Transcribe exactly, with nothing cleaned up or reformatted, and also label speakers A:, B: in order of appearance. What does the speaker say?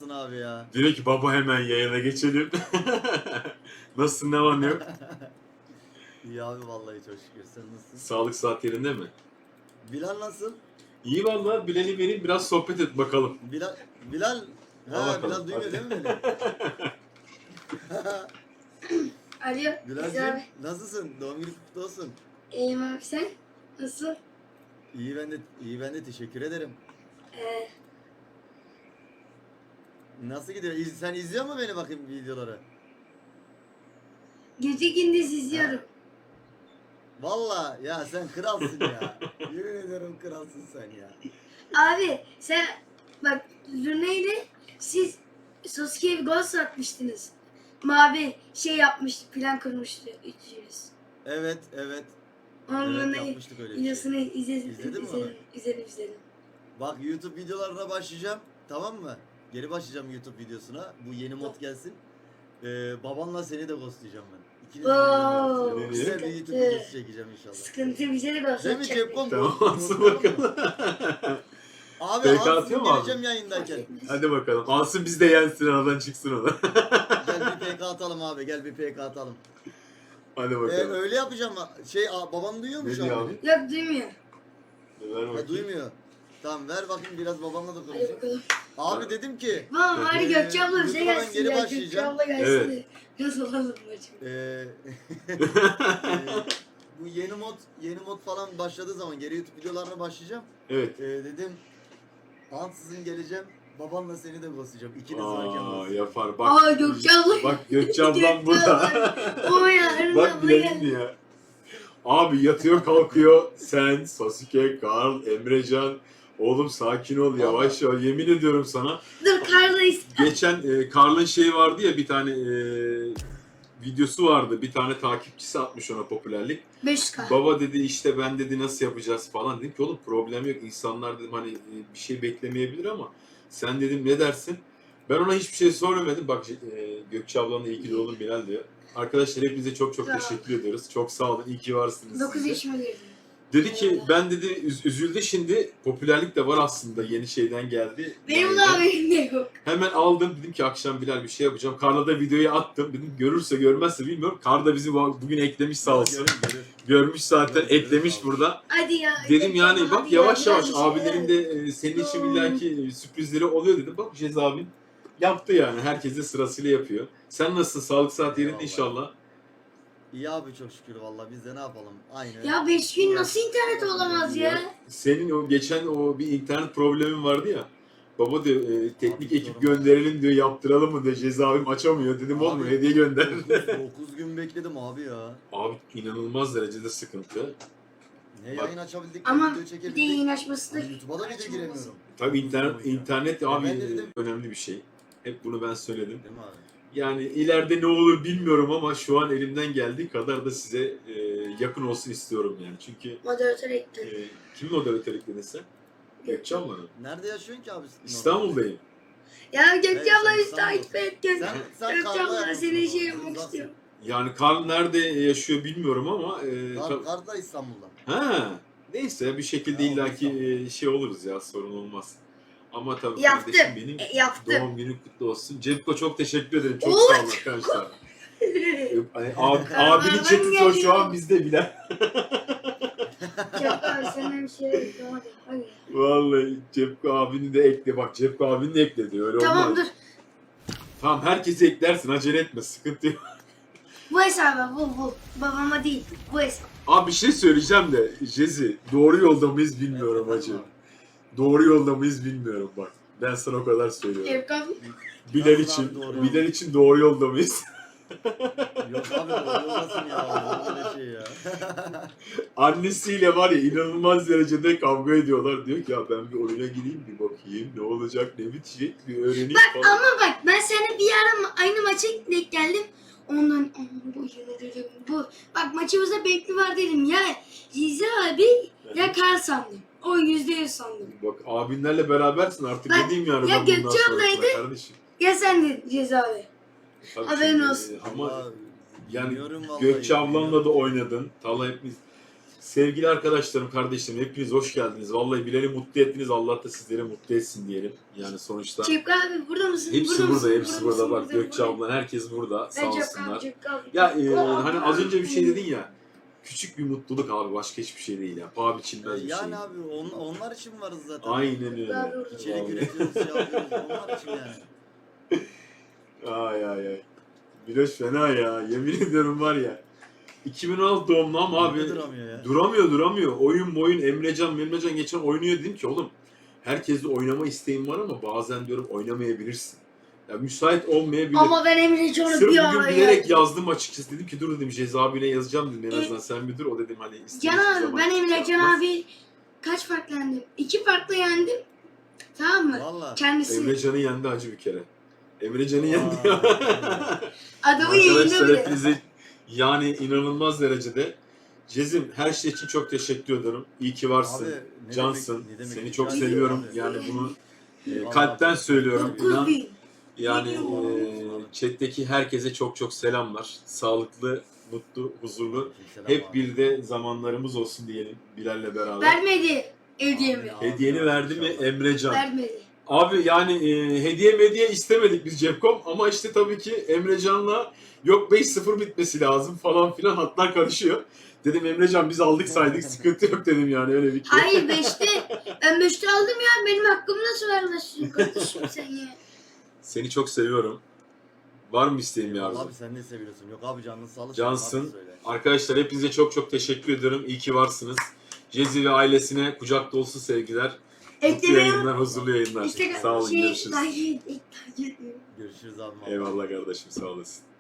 A: olsun abi ya.
B: Diyor ki baba hemen yayına geçelim. Nasılsın, ne var ne yok?
A: İyi abi vallahi çok şükür. Sen nasılsın?
B: Sağlık saat yerinde mi?
A: Bilal nasıl?
B: İyi valla, Bilal'i vereyim biraz sohbet et bakalım.
A: Bilal Bilal
B: Al
A: ha
B: bakalım,
A: Bilal duymuyor
B: hadi.
A: değil mi beni?
C: Alo. Güzel
A: Bilal'cim
C: abi.
A: nasılsın? Doğum günün kutlu olsun.
C: İyiyim abi sen? Nasıl?
A: İyi ben de iyi ben de teşekkür ederim.
C: Ee,
A: Nasıl gidiyor? İz- Sen izliyor musun beni bakayım videoları?
C: gece gündüz izliyorum.
A: Vallahi ya sen kralsın ya. Yemin ediyorum kralsın sen ya.
C: Abi sen bak Luna ile siz Sasuke'ye bir gol atmıştınız. Mavi şey yapmıştı, plan kurmuştu üçünüz.
A: Evet evet.
C: Onun
A: Evet,
C: Luna'yı
A: yapmıştık öyle bir şey.
C: videosunu izledim.
A: İzledin mi
C: izledim,
A: onu?
C: izledim, izledim.
A: Bak YouTube videolarına başlayacağım. Tamam mı? Geri başlayacağım YouTube videosuna. Bu yeni mod gelsin. Ee, babanla seni de ghostlayacağım ben. İkinizi
C: Oo,
A: birden güzel bir
C: sıkıntı.
A: YouTube videosu çekeceğim inşallah.
C: Sıkıntı bize de
A: Değil mi
C: gösterecek.
A: Cepkom?
B: Tamam,
A: Bu-
B: alsın
A: bu-
B: bakalım.
A: Abi
B: P K
A: ansızın
B: atıyor mu abi?
A: geleceğim yayındayken.
B: Hadi bakalım. Alsın biz de yensin, aradan çıksın o da.
A: Gel bir P K atalım abi. Gel bir P K atalım.
B: Hadi
A: Ee,
B: bakalım.
A: öyle yapacağım. Şey a, babam duyuyor mu
B: Ne
A: şu
B: diyor
A: an?
B: abi?
A: beni?
C: Yok duymuyor.
B: Ver
A: Ha,
B: bakayım.
A: duymuyor. Tamam ver bakayım biraz babamla da
C: Hadi
A: konuşayım.
C: bakalım.
A: Abi dedim ki
C: Tamam hadi
A: Ee,
C: Gökçe abla bize
A: YouTube'a ben
C: gelsin
A: geri
C: ya. Gökçe
A: başlayacağım.
C: abla gelsin
B: Evet.
C: de. Nasıl olalım maçım?
A: Ee, e, bu yeni mod yeni mod falan başladığı zaman geri YouTube videolarına başlayacağım.
B: Evet.
A: Ee, dedim ansızın geleceğim. Babamla seni de ghostlayacağım. İkiniz varken
B: Aa,
A: ghostlayacağım.
B: yapar. Bak.
C: Aa Gökçe abla.
B: Bak Gökçe ablam burada.
C: O ya.
B: Bak bilelim ya. Abi yatıyor kalkıyor. Sen, Sasuke, Karl, Emrecan. Oğlum sakin ol, yavaş yavaş. Yemin ediyorum sana.
C: Dur Karl'dayız.
B: Geçen e, Karl'ın şeyi vardı ya, bir tane e, videosu vardı. Bir tane takipçisi atmış ona popülerlik.
C: beş yüz K.
B: Baba dedi işte ben dedi nasıl yapacağız falan. Dedim ki oğlum problem yok. İnsanlar dedim hani e, bir şey beklemeyebilir ama sen dedim ne dersin? Ben ona hiçbir şey sormadım. Bak e, Gökçe ablanın iyi ki doğdun Bilal diyor. Arkadaşlar hepinize çok çok
C: Tamam.
B: teşekkür ediyoruz. Çok sağ olun. İyi ki varsınız.
C: dokuz
B: siz de.
C: yaşıma girdim.
B: Dedi ki ben dedi üz- üzüldü şimdi. Popülerlik de var aslında. Yeni şeyden geldi.
C: Benim
B: Yani
C: de haberim de yok.
B: hemen aldım. Dedim ki akşam Bilal bir şey yapacağım. Karla da videoyu attım. Dedim görürse görmezse bilmiyorum. Kar da bizi bu- bugün eklemiş sağ olsun.
A: Görür, görür.
B: Görmüş zaten,
A: Görür, görür,
B: eklemiş
A: sağ ol.
B: burada.
C: Hadi ya.
B: Dedim
C: Gökçe
B: yani
C: abla,
B: bak
C: hadi ya,
B: yavaş yavaş
C: biraz bir şey
B: abilerin de e, senin için illaki e, sürprizleri oluyor dedim. Bak Cez abin yaptı yani. Herkese sırasıyla yapıyor. Sen nasılsın? Sağlık saat yerinde
A: Eyvallah.
B: inşallah.
A: İyi abi çok şükür vallahi biz de ne yapalım aynı.
C: Ya beş gün nasıl internet olamaz ya?
B: Senin o geçen o bir internet problemin vardı ya. Baba diyor e, teknik
A: Abi,
B: ekip
A: diyorum.
B: gönderelim diyor, yaptıralım mı diyor. Cez abim açamıyor. Dedim
A: Abi,
B: oğlum hediye gönder.
A: dokuz gün bekledim abi ya.
B: Abi inanılmaz derecede sıkıntı.
A: Ne
B: Bak-
A: yayın açabildik,
C: Ama
A: ne video
C: bir de
A: çekebildik.
C: yayın açması da
A: Hani YouTube'a da video giremiyorum.
B: Tabii internet, internet abi
A: ben de dedim.
B: önemli bir şey. Hep bunu ben söyledim.
A: Değil mi abi?
B: Yani ileride ne olur bilmiyorum ama şu an elimden geldiği kadar da size e, yakın olsun istiyorum yani. Çünkü
C: moderatör
B: e,
C: ekledim.
B: kimin moderatör ekledin sen? Gökçe ablanın.
A: Nerede yaşıyorsun ki abi?
B: İstanbul'dayım.
C: Ya Gökçe
A: Evet,
C: abla
A: sen
C: bizi
A: İstanbul'da.
C: takip et. Gö-
A: Sen, sen
C: Gökçe
A: Karl'la
C: abla
A: yapmışsın
C: seni
A: o
C: şey
A: zaman,
C: yapmak
A: uzaksın.
C: istiyorum.
B: Yani Karl nerede yaşıyor bilmiyorum ama e,
A: Kar,
B: ta-
A: Kar da İstanbul'da.
B: ha neyse bir şekilde
A: Ya,
B: illaki
A: olmaz.
B: e, şey oluruz ya, sorun olmaz. Ama tabii
C: Yaptım.
B: kardeşim benim
C: E, yaptım.
B: doğum günün kutlu olsun. Cepko çok teşekkür ederim. Çok
C: Oo,
B: sağ olun arkadaşlar. Hani abi, abinin
C: Ben
B: chat'i o şu an
C: geliyorum.
B: bizde bile.
C: Çok abi senden bir şey yok. Hadi hadi.
B: Vallahi Cepko abini de ekle. Bak Cepko abini de ekle diyor. Öyle
C: Tamam
B: olmaz.
C: dur.
B: Tamam herkesi eklersin. Acele etme. Sıkıntı yok.
C: Bu hesaba bu bu. Babama değil. Bu hesap.
B: Abi bir şey söyleyeceğim de Jezi doğru yolda mıyız bilmiyorum
A: Evet,
B: hacı.
A: abi.
B: Doğru yolda mıyız bilmiyorum bak. Ben sana o kadar söylüyorum.
C: Evkan.
B: Bilal
A: Nasıl
B: için,
A: abi doğru
B: Bilal için doğru yolda mıyız?
A: Yok abi o olmasın ya. Olur öyle şey ya.
B: Annesiyle var ya inanılmaz derecede kavga ediyorlar. Diyor ki ya ben bir oyuna gireyim bir bakayım ne olacak ne bitecek bir öğreneyim
C: Bak
B: falan.
C: ama bak ben seninle bir ara ma- aynı maça denk geldim. Ondan "Aman bu yine dedim bu. Bak maçımızda bekli var dedim ya. Cizi abi ya Kar sandım. O yüzde yüz sandım.
B: Bak abinlerle berabersin artık
C: Ben-
B: ne diyeyim yani
C: ya
B: ben bundan
C: Gökçe
B: sonra
C: ablaydı.
B: sana kardeşim.
C: Ya sen de Cizi abi.
B: Tabii
C: Haberin
B: şimdi,
C: olsun.
B: Ama
A: Vallahi
B: yani
A: bilmiyorum vallahi,
B: Gökçe ablanla da
A: bilmiyorum.
B: oynadın. Tala hepimiz. Sevgili arkadaşlarım, kardeşlerim hepiniz hoş geldiniz. Vallahi Bilal'i mutlu ettiniz. Allah da sizleri mutlu etsin diyelim. Yani sonuçta
C: Şevki abi burada mısın?
B: hepsi
C: burada,
B: burada,
C: mısın?
B: hepsi burada.
C: mısın?
B: Bak Gökçe
C: burada.
B: ablan, herkes burada. Sağ
C: Ben Şevki
B: olsunlar.
C: abi, Şevki abi.
B: Ya e,
C: Oh,
B: hani az önce bir şey
C: abi.
B: dedin ya. Küçük bir mutluluk abi, başka hiçbir şey değil ya. Paha biçilmez bir şey.
A: Yani abi on, onlar için varız zaten.
B: Aynen öyle.
A: İçerik
B: Vallahi.
A: üretiyoruz, şey yapıyoruz. Onlar için yani.
B: Ay ay ay. Biraz fena ya. Yemin ediyorum var ya. iki bin on altı doğumlu ama abi.
A: Abi, duramıyor ya.
B: Duramıyor duramıyor. Oyun boyun Emrecan, Emrecan geçen oynuyor dedim ki oğlum herkesle oynama isteğim var ama bazen diyorum oynamayabilirsin. Ya müsait olmayabilir.
C: Ama ben Emre Can'ı
B: Sırf
C: bir
B: bugün
C: ara
B: bilerek
C: ya.
B: yazdım açıkçası. Dedim ki dur dedim Ceza abine yazacağım dedim en azından sen bir dur. O dedim hani istediğin
C: Can abi
B: zaman
C: ben Emre
B: şey
C: Can
B: yapmaz.
C: abi kaç farklı yendim? İki farklı yendim. Tamam mı?
A: Valla.
C: Kendisi.
B: Emrecan'ı yendi acı bir kere. Emrecan'ı yendi
A: Aa,
B: ya.
C: Adamı yayında
B: Arkadaşlar
C: bile.
B: hepinize yani inanılmaz derecede. Cezim her şey için çok teşekkür ederim. İyi ki varsın.
A: Abi, ne
B: Cansın.
A: demek- ne demek
B: Seni
A: rica
B: çok
A: ederim
B: seviyorum.
A: abi.
B: Yani bunu e,
A: Vallahi
B: kalpten
A: çok-
B: söylüyorum.
C: dokuz
B: İnan,
C: bin.
B: yani
A: Eyvallah.
B: e, chat'teki herkese çok çok selamlar. Sağlıklı, mutlu, huzurlu.
A: Selam
B: Hep
A: abi.
B: bir de zamanlarımız olsun diyelim Bilal'le beraber.
C: Vermedi hediyemi.
A: Abi,
B: Hediyeni verdi mi
A: inşallah.
B: Emrecan?
C: Vermedi.
B: Abi yani e, hediye mediye istemedik biz Cepkom ama işte tabii ki Emrecan'la yok beş sıfır bitmesi lazım falan filan hatlar karışıyor. Dedim Emrecan biz aldık saydık sıkıntı yok dedim yani öyle bir şey.
C: Hayır beşte. Ben beşte aldım ya. Benim hakkımı nasıl vermezsin kardeşim sen ya?
B: Seni çok seviyorum. Var mı isteğin bir arzu?
A: Abi sen ne seviyorsun? Yok abi canın sağlık.
B: Cansın.
A: Abi söyle.
B: Arkadaşlar hepinize çok çok teşekkür ediyorum. İyi ki varsınız. Cezi ve ailesine kucak dolusu sevgiler. Mutlu
C: Eklemeyi
B: yayınlar, huzurlu yayınlar.
C: İşte
B: Sağ olun,
C: şey,
B: görüşürüz.
C: takip et, takip et.
A: Görüşürüz abi.
B: Eyvallah kardeşim, sağ olasın.